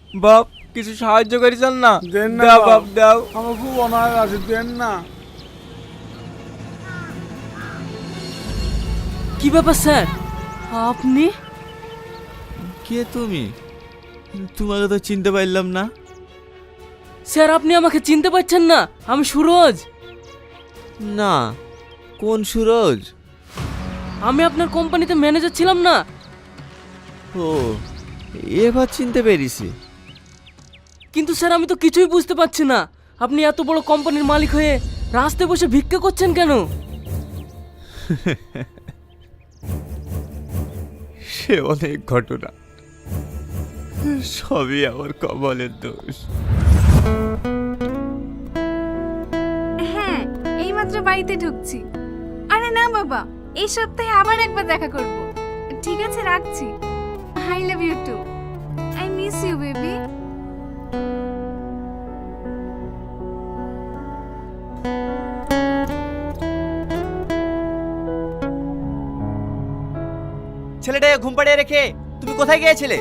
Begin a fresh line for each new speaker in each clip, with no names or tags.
বাপ কিছু সাহায্য করেছেন না?
দেন না
দাও
বাপ।
বাপ দাও।
আমার খুব অনাহার আছে, দেন না।
কি ব্যাপার স্যার, আপনি?
কে তুমি? তোমাকে তো চিনতে পারলাম না।
স্যার আপনি আমাকে চিনতে পারছেন না? আমি সুরজ।
না, কোন সুরজ?
আমি আপনার কোম্পানিতে ম্যানেজার ছিলাম না?
ও, এবার চিনতে পেরেছি।
কিন্তু স্যার আমি তো কিছুই বুঝতে পারছি না, আপনি এত বড় কোম্পানির মালিক হয়ে রাস্তায় বসে ভিক্ষা করছেন কেন?
সে অনেক ঘটনা, সবই আমার কপালের দোষ।
হ্যাঁ, এইমাত্র বাড়িতে ঢুকছি। আরে না বাবা, এই সপ্তাহে আবার একবার দেখা করব। ঠিক আছে, রাখছি। I love you too. I miss you baby.
ছেলেটাকে ঘুম পাড়িয়ে রেখে তুমি কোথায় গিয়েছিলে?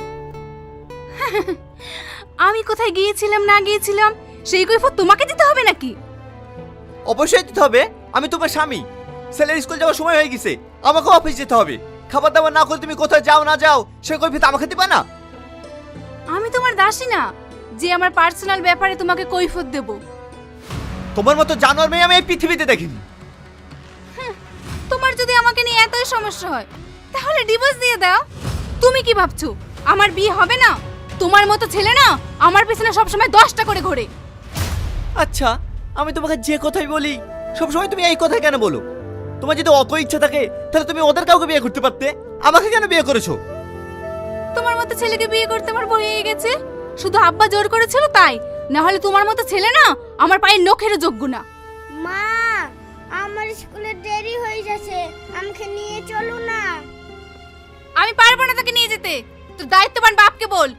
আমি কোথায় গিয়েছিলাম না গিয়েছিলাম সেই কৈফিয়ত তোমাকে দিতে হবে নাকি?
অবশ্যই দিতে হবে, আমি তোমার স্বামী। ছেলের স্কুল যাওয়ার সময় হয়ে গেছে, আমাকে অফিস যেতে হবে। খাবার দাবার না করে তুমি কোথায় যাও না যাও সে কৈফিয়ত আমাকে দিবা না?
আমি তোমার দাসী না যে আমার পার্সোনাল ব্যাপারে তোমাকে কৈফিয়ত দেব।
তোমার মতো জানোয়ার মেয়ে আমি এই পৃথিবীতে দেখিনি।
তোমার যদি আমাকে নিয়ে এতই সমস্যা হয় তাহলে ডিভোর্স দিয়ে দাও। তুমি কি ভাবছো আমার বিয়ে হবে না? তোমার মতো ছেলে না আমার পেছনে সবসময় 10টা করে ঘোরে।
আচ্ছা, আমি তোমাকে যে কথাই বলি সবসময় তুমি এই কথাই কেন বলো? তোমার যদি অত ইচ্ছা থাকে তাহলে তুমি ওদের কাউকে বিয়ে করতে পারতে, আমাকে কেন বিয়ে করেছো?
তোমার মতো ছেলেকে বিয়ে করতে আমার ভয় হয়ে গেছে। শুধু আব্বা জোর করেছিল তাই, না হলে তোমার মতো ছেলে না আমার পায়ের নখেরও যোগ্য না।
মা, আমার স্কুলে দেরি হয়ে যাচ্ছে, আমাকে নিয়ে চলো না।
আমি পারবো না তোকে নিয়ে যেতে, তোর দায়িত্ববান বাপকে বল।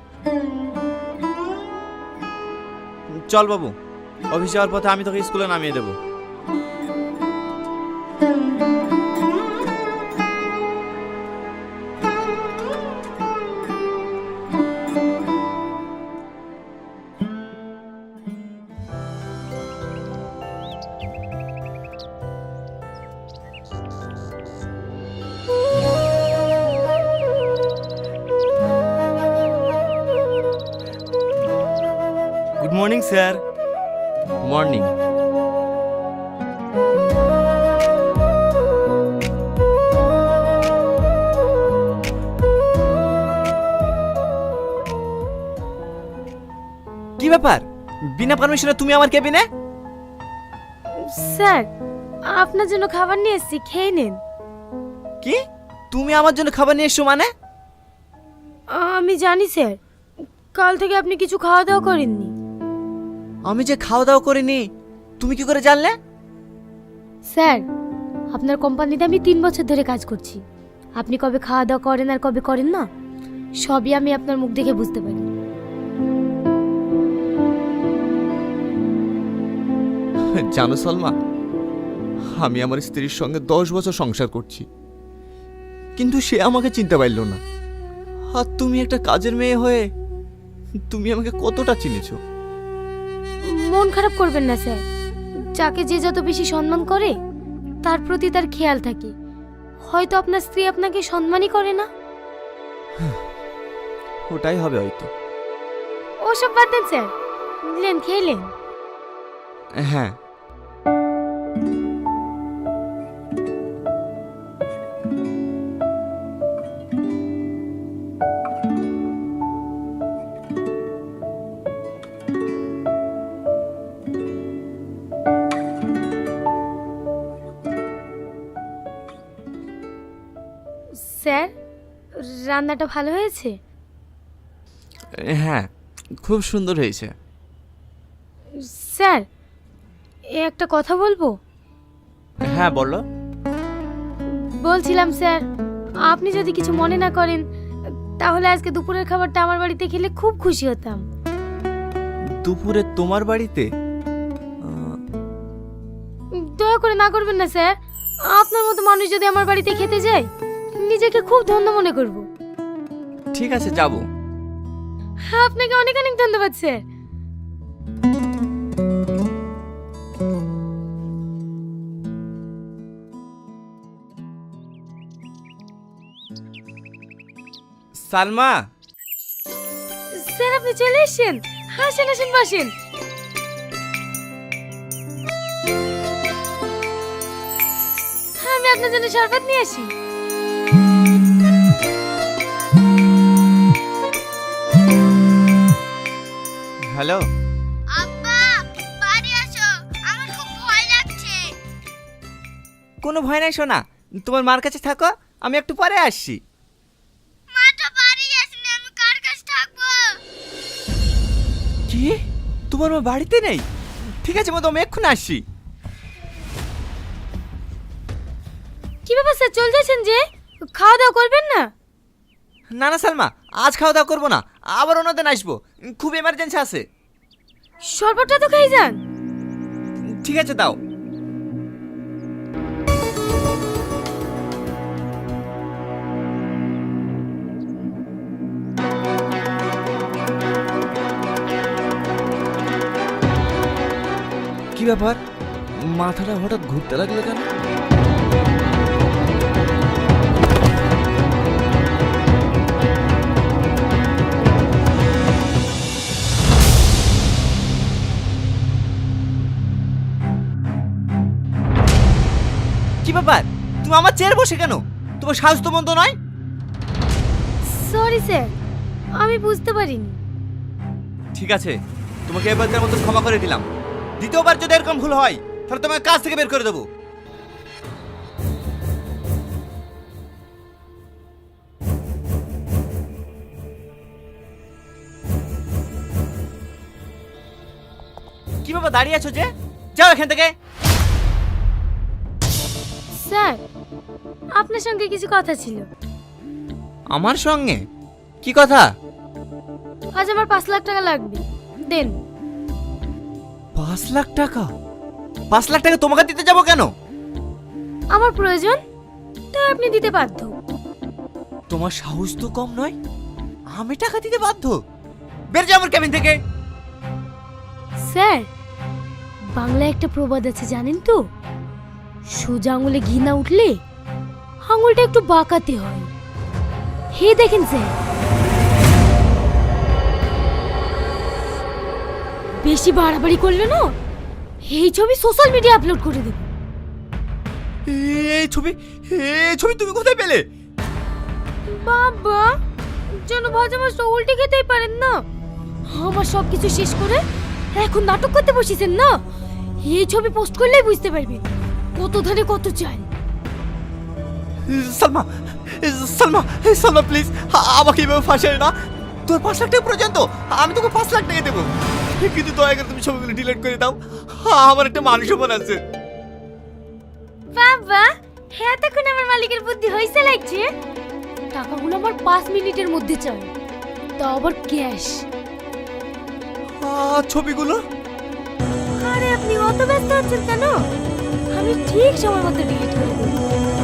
চল বাবু, অফিস যাওয়ার পথে আমি তোকে স্কুলে নামিয়ে দেবো।
Good morning sir.
মর্নিং। কি ব্যাপার, বিনা পারমিশনে তুমি আমার কেবিনে?
স্যার, আপনার জন্য খাবার নিয়ে এসেছি, খেয়ে নিন।
কি, তুমি আমার জন্য খাবার নিয়ে এসছো মানে?
আমি জানি স্যার, কাল থেকে আপনি কিছু খাওয়া দাওয়া করেননি।
আমি যে খাওয়া দাওয়া করিনি তুমি কি করে জানলে?
স্যার, আপনার কোম্পানিতে আমি 3 বছর ধরে কাজ করছি। আপনি কবে খাওয়া দাওয়া করেন আর কবে করেন না সবই আমি আপনার মুখ দেখে বুঝতে পারি।
জানো সালমা, আমি আমার স্ত্রীর সঙ্গে 10 বছর সংসার করছি, কিন্তু সে আমাকে চিনতে পারল না। আর তুমি একটা কাজের মেয়ে হয়ে তুমি আমাকে কতটা চিনেছো।
মন খারাপ করবেন না স্যার, যাকে যে যত বেশি সম্মান করে তার প্রতি তার খেয়াল থাকে। হয়তো আপনার স্ত্রী আপনাকে সম্মানই করে না।
ওটাই হবে হয়তো।
ওসব বাদ দেন স্যার, নিলেন খেলেন।
হ্যাঁ,
স্যার, রান্নাটা ভালো হয়েছে?
হ্যাঁ, খুব সুন্দর হয়েছে।
স্যার, একটা কথা বলবো?
হ্যাঁ বলো।
বলছিলাম স্যার, আপনি যদি কিছু মনে না করেন তাহলে আজকে দুপুরের খাবারটা আমার বাড়িতে খেলে খুব খুশি হতাম।
দুপুরে তোমার বাড়িতে?
দয়া করে না করবেন না স্যার, আপনার মতো মানুষ যদি আমার বাড়িতে খেতে যায় নিজেকে খুব ধন্য মনে করব।
ঠিক আছে, যাবো।
আপনাকে অনেক অনেক ধন্যবাদ স্যার।
সালমা,
স্যার আপনি চলে এসেছেন, আসেন আসেন বসেন। আমি আপনার জন্য শরবত নিয়ে আসি।
হ্যালো।
আব্বা বাড়ি আসো, আমার খুব ভয় লাগছে।
কোনো ভয় নাই সোনা, তোমার মার কাছে থাকো, আমি একটু পরে আসছি।
মাটা বাড়ি আসেনি, আমি কার কাছে থাকবো?
কি, তোমার মা বাড়িতে নেই? ঠিক আছে মা, তো আমি এক্ষুনি আসছি।
কি ব্যাপার স্যার, চলে যাচ্ছেন যে? খাওয়া দাওয়া করবেন না?
না না সালমা, আজ খাওয়া দাওয়া করবো না, আবার অন্যদিন আসবো, খুব এমার্জেন্সি আছে।
শরবতটা তো খেয়ে যান।
ঠিক আছে দাও। কি ব্যাপার, মাথাটা হঠাৎ ঘুরতে লাগলো কেন? কি ব্যাপার, তুমি আমার চেয়ারে বসে কেন? তোমার সাহস তো মন্দ নয়।
সরি স্যার, আমি বুঝতে পারিনি।
ঠিক আছে, তোমাকে এবারকার মতো ক্ষমা করে দিলাম। দ্বিতীয়বার যদি এরকম ভুল হয় তাহলে তোমাকে কাজ থেকে বের করে দেবো। কি বাবা দাঁড়িয়ে আছো যে? যাও এখান থেকে।
স্যার আপনার সঙ্গে কিছু কথা ছিল।
আমার সঙ্গে? কি কথা?
আজ আমার 5 লাখ টাকা লাগবে, দেন।
5 লাখ টাকা? 5 লাখ টাকা তোমাকে দিতে যাবো কেন?
আমার প্রয়োজন, তাই আপনি দিতে বাধ্য।
তোমার সাহস তো কম নয়, আমি টাকা দিতে বাধ্য? বের যাও আমার কেবিন থেকে।
স্যার বাংলায় একটা প্রবাদ আছে জানেন তো? সোজা আঙুলে ঘি না উঠলে আঙুলটা একটু বাঁকাতে হয়। হে দেখেন স্যার, বেশি বাড়াবাড়ি করলে না এই ছবি সোশ্যাল মিডিয়া আপলোড করে দেব।
এই ছবি তুমি কোথায় পেলে?
বাবা যেন ভাজা মাছটা উল্টে খেতেই পারেন না। আমার সব কিছু শেষ করে এখন নাটক করতে বসেছেন না? এই ছবি পোস্ট করলেই বুঝতে পারবে কত ধারে কত চাই।
সালমা, সালমা, সালমা প্লিজ আমাকে এভাবে ফাঁসাই না। তোর 5 লাখ টাকা পর্যন্ত আমি তোকে 5 লাখ টাকা দেবো, কিন্তু দয়া করে তুমি ছবিগুলো ডিলিট করে দাও। আমার একটা মানুষ মন আছে।
বাবা হ্যাঁ, তখন আমার মালিকের বুদ্ধি হয়েছে লাগছে। টাকাগুলো আমার 5 মিনিটের মধ্যে চাই, তাও আবার ক্যাশ।
ছবিগুলো?
আরে আপনি অত ব্যস্ত হচ্ছেন কেন? আমি ঠিক সময় মতো ডিলিট করে দেবো।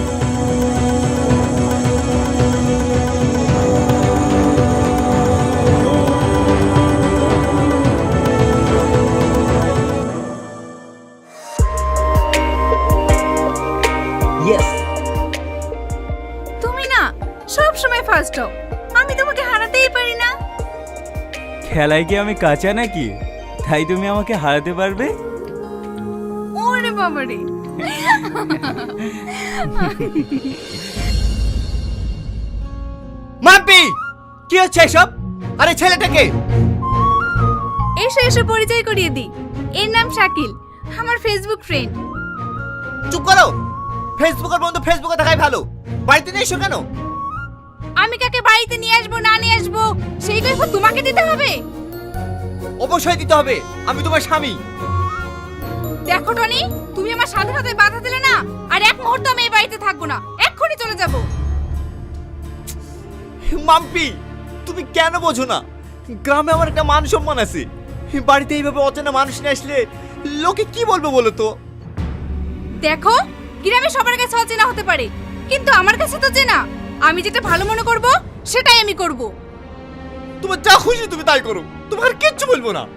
তুমি না সব সময় ফার্স্ট হও, আমি তোমাকে হারাতেই পারি না।
খেলায় কি আমি কাঁচা নাকি, তাই তুমি আমাকে হারাতে পারবে?
ওরে বাবারে,
মাম্পি কি হচ্ছে এসব? আরে ছেলেটাকে
এসে এসে পরিচয় করিয়ে দিই। এর নাম শাকিল, আমার ফেসবুক ফ্রেন্ড।
চুপ করো। ফেসবুকের বন্ধু ফেসবুকে থাকাই ভালো, বাড়িতে নিয়ে এসো কেন?
আমি কাকে বাড়িতে নিয়ে আসবো না নিয়ে আসবো সেই কৈফিয়ত তোমাকে দিতে হবে?
অবশ্যই দিতে হবে, আমি তোমার স্বামী।
দেখো টনি, তুমি আমার স্বাধীনতায় বাধা দিলে না, আর এক মুহূর্ত আমি এই বাড়িতে থাকবো না, এক্ষুনি চলে যাব।
মাম্পি তুমি কেন বোঝো না? গ্রামে আমার একটা মান সম্মান আছে, বাড়িতে এইভাবে অচেনা মানুষ নিয়ে আসলে লোকে কি বলবে বলো তো?
দেখো গ্রামে সবার কাছে অচেনা হতে পারে, কিন্তু আমার কাছে তো চেনা। আমি যেটা ভালো মনে করব সেটাই আমি করব।
তোমার যা খুশি তুমি তাই করো, তোমার কিচ্ছু বলবো না।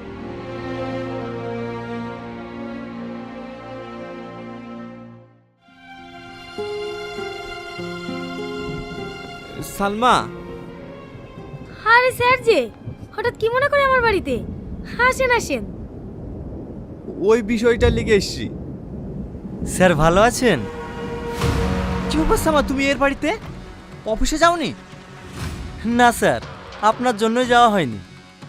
সালমা,
আরে স্যার যে হঠাৎ কি মনে করে আমার বাড়িতে? আসেন আসেন।
ওই বিষয়টা লিখে এসছি।
স্যার ভালো আছেন?
কি ব্যাপার সালমা, তুমি এর বাড়িতে অফিসে যাওনি?
না স্যার, আপনার জন্যই যাওয়া হয়নি।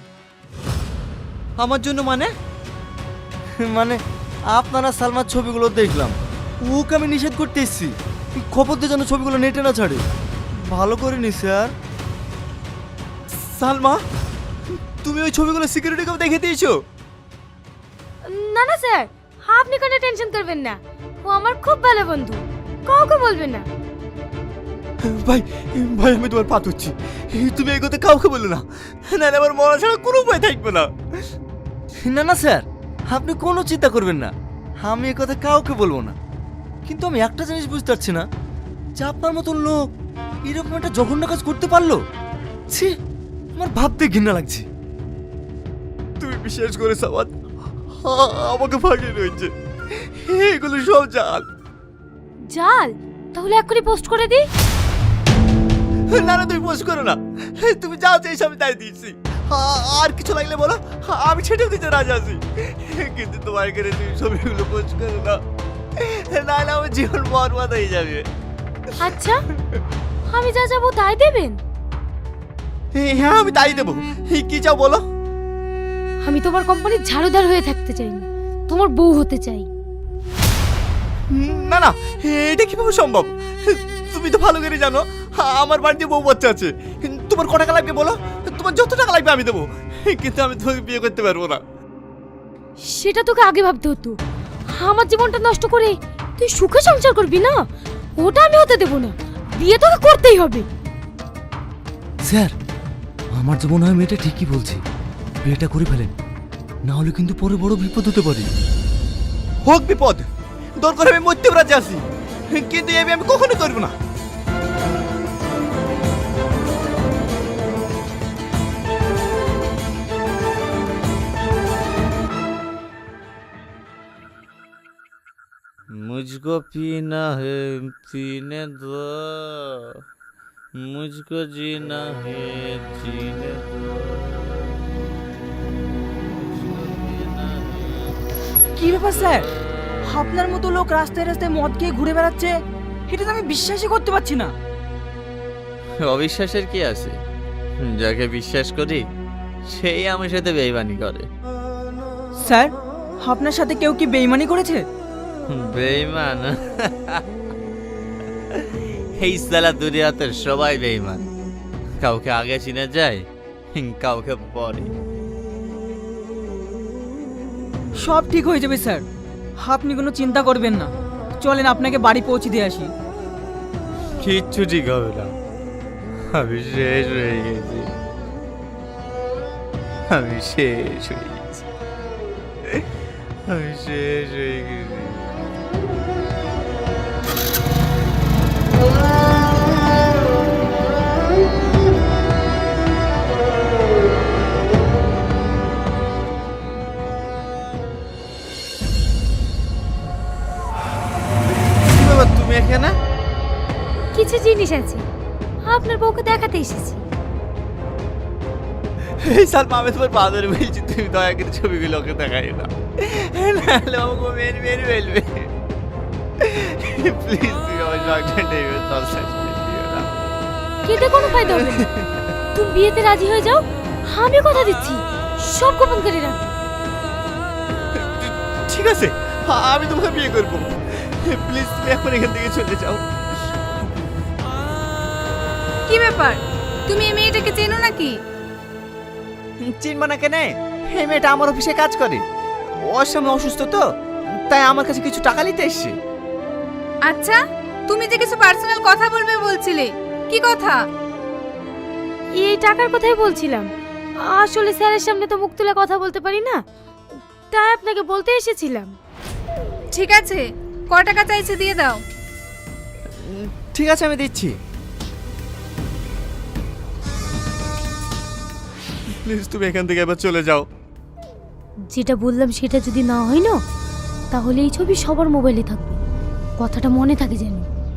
আমার জন্য মানে?
মানে আপনারা সালমার ছবিগুলো দেখলাম, ওকে আমি নিষেধ করতে এসেছি খবর দিয়ে যেন ছবিগুলো নেটে না ছাড়ে। ভালো করিনি স্যার।
সালমা, তুমি ওই ছবিগুলো সিকিউরিটিকেও দেখে দিয়েছো?
না না স্যার, আপনি কোনো টেনশন করবেন না, ও আমার খুব ভালো বন্ধু, কাউকে বলবেন না।
ভাই ভাই, আমি তোমার পা ধরছি, তুমি এই কথা কাউকে বলো না, নাহলে আমার মরা ছাড়া কোনো উপায় থাকবে না।
না না স্যার, আপনি কোনো চিন্তা করবেন না, আমি এ কথা কাউকে বলবো না। কিন্তু আমি একটা জিনিস বুঝতে পারছি না যে আপনার মতন লোক এরকম একটা জঘন্য কাজ করতে পারলো। ছি, আমার ভাবতে ঘৃণা লাগছে।
তুমি বিশ্বাস করে সাবাদ, আমাকে ফাঁকিয়ে রয়েছে, এগুলো সব জাল।
জাল? তাহলে এক্ষুনি পোস্ট করে দিই।
না না, তুমি পোস্ট করো না, তুমি যা চাইছো আমি তাই দিচ্ছি। আর কিছু লাগলে বলো, আমি সেটাও দিতে রাজি আছি, কিন্তু তোমার এখানে তুমি ছবিগুলো পোস্ট করো না, নাহলে আমার জীবন বরবাদ হয়ে যাবে।
আচ্ছা, আমি যা যাবো তাই দেবেন?
হ্যাঁ, আমি তাই দেবো। কি চাও বলো?
আমি তোমার কোম্পানির ঝাড়ুদার হয়ে থাকতে চাই না, তোমার বউ হতে চাই।
না না, এটা কিভাবে সম্ভব? তুমি তো ভালো করে জানো আমার বাড়িতে বউ বাচ্চা আছে। তোমার ক টাকা লাগবে বলো, তোমার যত টাকা লাগবে আমি দেবো, কিন্তু আমি তোমাকে বিয়ে করতে পারবো না।
সেটা তোকে আগে ভাবতে হতো। আমার জীবনটা নষ্ট করে তুই সুখে সংসার করবি না, ওটা আমি হতে দেবো না। বিয়ে তোকে করতেই হবে।
স্যার, আমার যে মনে হয় মেয়েটা ঠিকই বলছে, বিয়েটা করে ফেলেন, না হলে কিন্তু পরে বড় বিপদ হতে পারে।
হোক বিপদ, দরকার আমি মরতে রাজি আছি, কিন্তু এই বিয়ে আমি কখনো করবো না।
मुझको पीना है पीने दो, मुझको जीना है जीने दो, मुझको पीना है।
কি ব্যাপার স্যার, আপনার মতো লোক রাস্তায় রাস্তায় মদ খেয়ে ঘুরে বেড়াচ্ছে, এটা তো আমি বিশ্বাসই করতে পারছি না।
অবিশ্বাসের কি আছে? যাকে বিশ্বাস করি সেই আমার সাথে বেইমানি করে।
স্যার, আপনার সাথে কেউ কি বেইমানি করেছে?
বেইমান? এই সালা দুনিয়াতে সবাই বেইমান, কাউকে আগে চিনে যায়, কাউকে পরে।
সব ঠিক হয়ে যাবে স্যার, আপনি কোনো চিন্তা করবেন না। চলেন আপনাকে বাড়ি পৌঁছে দিয়ে আসি।
কিচ্ছু ঠিক হবে না, আমি শেষ হয়ে গেছি, আমি শেষ হয়ে গেছি, আমি শেষ হয়ে গেছি।
তুমি এখানে?
কিছু জিনিস আছে, আপনার বউকে দেখাতে এসেছি।
এই সালমা, আমি তোমার পা ধরে বলছি, তুমি দয়া করে ছবিগুলো ওকে দেখাই না, নাহলে আমাকে মেরে মেরে ফেলবে। প্লিজ, তুমি আমার সঙ্গে নেবে, সব শেষ করে দিও না।
কেটে কোনো ফায়দা হবে না। তুমি বিয়েতে রাজি হয়ে যাও, আমি কথা দিচ্ছি সব গোপন করে রাখবো।
ঠিক আছে, আমি তোমাকে বিয়ে করবো। প্লিজ, তুমি এখন এখান থেকে চলে যাও।
কি ব্যাপার, তুমি এই মেয়েটাকে চেনো নাকি?
চিনবা না কেন? এই মেয়েটা আমার অফিসে কাজ করে, ওর সামনে অসুস্থ তো, তাই আমার কাছে কিছু টাকা নিতে এসছে।
আচ্ছা, তুমি যে কিছু পার্সোনাল কথা বলবে বলছিলে, কি কথা?
এই টাকার কথাই বলছিলাম। আসলে স্যারের সামনে তো মুখ তুলে কথা বলতে পারি না, তাই আপনাকে বলতে এসেছিলাম।
ঠিক আছে, ক টাকা চাইছে দিয়ে দাও।
ঠিক আছে, আমি দিচ্ছি। প্লিজ তুমি এখান থেকে এবার চলে যাও।
যেটা বললাম সেটা যদি না হয় না, তাহলে এই ছবি সবার মোবাইলে থাকবে, কথাটা মনে থাকে যেন।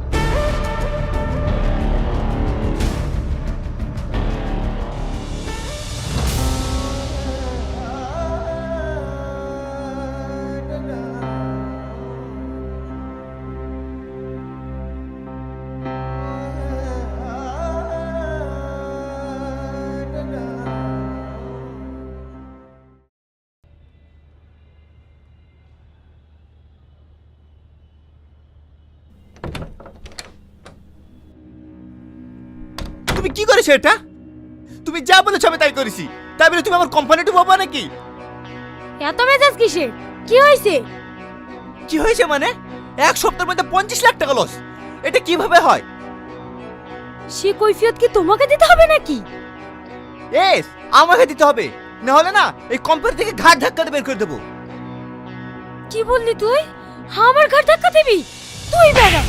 তুমি কি করেছো এটা? তুমি যা বলেছো আমি তাই করেছি, তাই বলে তুমি আমার কোম্পানি ডুবাবা নাকি?
এত মেজাজ কিসের? কি হয়েছে?
কি হয়েছে মানে? এক সপ্তাহের মধ্যে 25 লাখ টাকা লস, এটা কিভাবে হয়?
সে কৈফিয়ত কি তোমাকে দিতে হবে নাকি?
এস আমাকে দিতে হবে, না হলে না এই কোম্পানি থেকে ঘাট ধাক্কা দিয়ে বের করে দেবো।
কি বললি তুই? আমার ঘাট ধাক্কা দিবি? তুই বেড়া।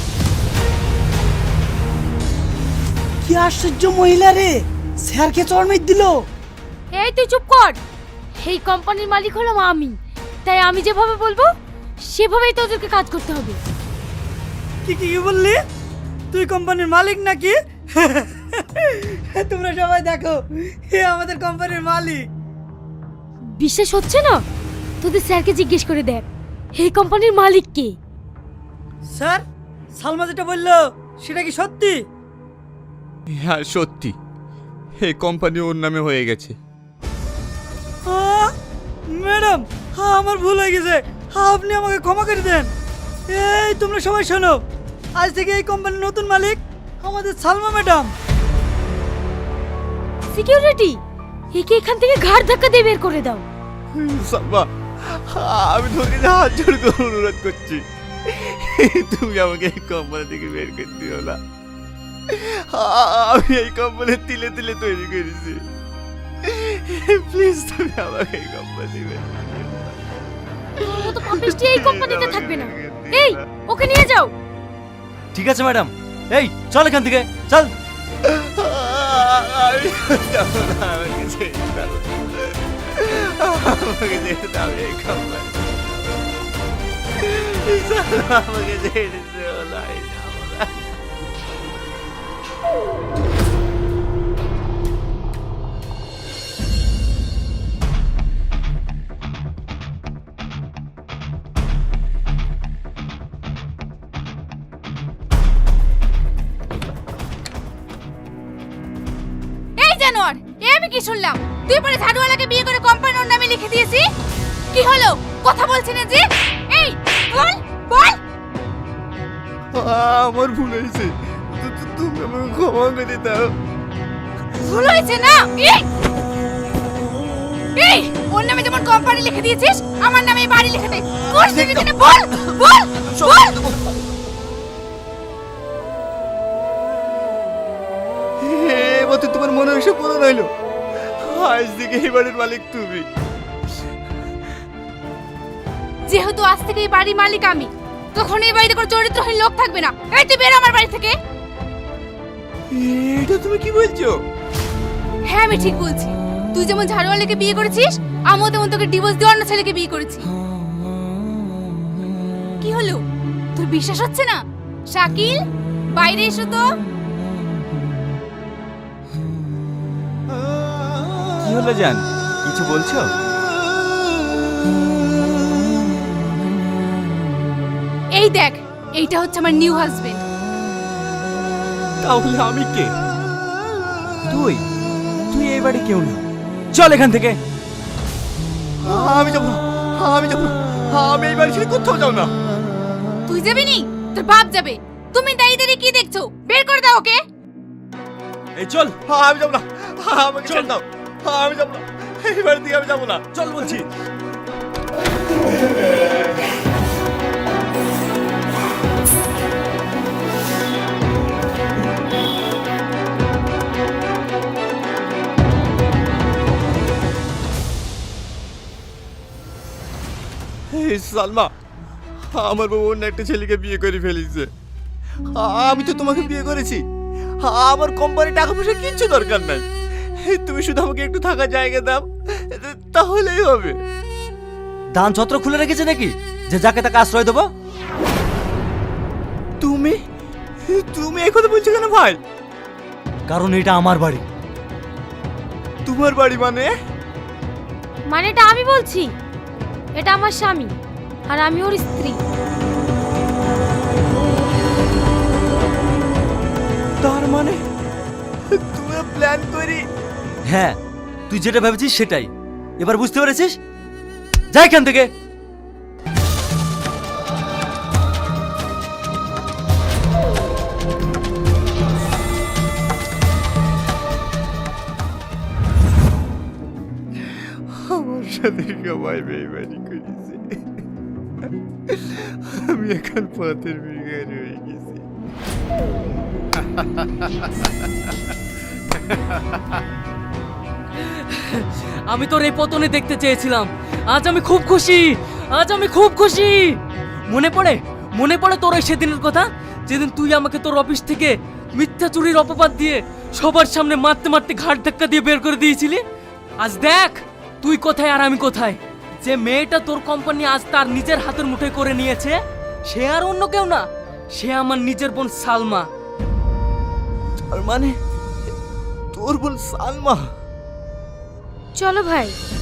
কি আশ্চর্য মহিলা রে, স্যারকে চড়মেট দিল।
এই তুই চুপ কর। এই কোম্পানির মালিক হলাম আমি, তাই আমি যেভাবে বলবো সেভাবেই তোদেরকে কাজ করতে হবে।
কি কি কি বললি? তুই কোম্পানির মালিক নাকি? তোমরা সবাই দেখো, এ আমাদের কোম্পানির মালিক।
বিশ্বাস হচ্ছে না? তোদের স্যারকে জিজ্ঞেস করে দেখ এই কোম্পানির মালিক কে।
স্যার, সালমা যেটা বললো সেটা কি সত্যি?
হ্যাঁ সত্যি, এই কোম্পানি ওর নামে হয়ে গেছে।
ম্যাডাম, আমার ভুল হয়ে গেছে, আপনি আমাকে ক্ষমা করে দেন। এই তোমরা সবাই শোনো, আজ থেকে এই কোম্পানির নতুন মালিক আমাদের সালমা ম্যাডাম।
সিকিউরিটি, একে এখান থেকে ঘাড় ধাক্কা দিয়ে বের করে দাও।
সালমা, আমি তোকে হাত জোড় করে অনুরোধ করছি, তুমি আমাকে এই কোম্পানি থেকে বের করে দিও না। আমি এই কোম্পানি তিলে তিলে তৈরি করেছি, প্লিজ তুমি আমাকে এই কোম্পানি বের করে দিও না।
তোর মতো পাপিষ্টি এই কোম্পানিতে থাকবে না। এই ওকে নিয়ে যাও।
ঠিক আছে ম্যাডাম, এই চল এখান থেকে চল।
আমি যাবো না, আমাকে ছেড়ে দাও, আমাকে ছেড়ে দাও, এই কোম্পানি আমাকে ছেড়ে দিও না, আমি যাবো না।
এই জানোয়ার, এ আমি কি শুনলাম? তুই পরে ঝাড়ুওয়ালাকে বিয়ে করে কোম্পানির নামে লিখে দিয়েছি। কি হলো? কথা বলছি না যে? এই বল বল।
আমার ভুল হয়েছে, তুমি আমাকে ক্ষমা করে দাও।
ভুল হয়েছে না? এই ওর নামে যেমন কোম্পানি লিখে দিয়েছিস, আমার নামে এই বাড়ি লিখে দে। করছিস কিনা বল বল বল।
এবার তো তোমার মনে এসে পূরণ হইলো, আজ থেকে এই বাড়ির মালিক তুমি।
যেহেতু আজ থেকে এই বাড়ির মালিক আমি, তখন এই বাড়িতে কোনো চরিত্রহীন লোক থাকবে না। এই তুই বের আমার বাড়ি থেকে।
এটা তুমি কি বলছো?
হ্যাঁ আমি ঠিক বলছি। তুই যেমন ঝাড়ুওয়ালাকে বিয়ে করেছিস, আমিও তেমন তোকে ডিভোর্স দিয়ে অন্য ছেলেকে বিয়ে করেছি। কি হলো, তোর বিশ্বাস হচ্ছে না? শাকিল, বাইরে এসো তো।
কি হলো জান, কিছু বলছো?
এই দেখ, এইটা হচ্ছে আমার নিউ হাজবেন্ড।
তাহলে আমি কে? তুই তুই এই বাড়ি কেউ না, চল এখান থেকে।
আমি যাবো না, আমি যাবো না, আমি এই বাড়ি ছেড়ে কোথাও যাও না।
তুই যাবি নি? তোর বাপ যাবে। তুমি দাঁড়িয়ে কি দেখছো? বের করে দাও ওকে।
এই চল,
আমি যাবো না, আমাকে ছেড়ে দাও, আমি যাবো না, এই বাড়ি থেকে আমি যাবো না।
চল বলছি।
এই সালমা, আমার বউ অন্য একটা ছেলেকে বিয়ে করে ফেলেছে। আমি তো তোমাকে বিয়ে করেছি, আমার কোম্পানি টাকা পয়সা কিচ্ছু দরকার নাই। তুমি শুধু আমাকে একটু থাকার জায়গা দাও, তাহলেই হবে।
দান ছত্র খুলে রেখেছে নাকি যে যাকে তাকে আশ্রয় দেবো?
তুমি তুমি এই কথা বলছো কেন ভাই?
কারণ এটা আমার বাড়ি।
তোমার বাড়ি মানে?
মানে এটা আমি বলছি, এটা আমার স্বামী আর আমি ওর স্ত্রী।
তার মানে তুমি প্ল্যান করি?
হ্যাঁ, তুই যেটা ভেবেছিস সেটাই। এবার বুঝতে পেরেছিস? যা এখান থেকে।
আমার সাথে সবাই বেইমানি করেছে, আমি এখন পথের ভিখারি হয়ে গেছি।
আমি তোর এই পতনে দেখতে চেয়েছিলাম। আজ আমি খুব খুশি, আজ আমি খুব খুশি। মনে পড়ে তোর ওই সেদিনের কথা, যেদিন তুই আমাকে তোর অফিস থেকে মিথ্যা চুরির অপবাদ দিয়ে সবার সামনে মারতে মারতে ঘাট ধাক্কা দিয়ে বের করে দিয়েছিলি। আজ দেখ তুই কোথায় আর আমি কোথায়। যে মেয়েটা তোর কোম্পানি আজ তার নিজের হাতের মুঠোয় করে নিয়েছে, সে আর অন্য কেউ না, সে আমার নিজের বোন সালমা।
তার মানে তোর বোন সালমা?
চলো ভাই,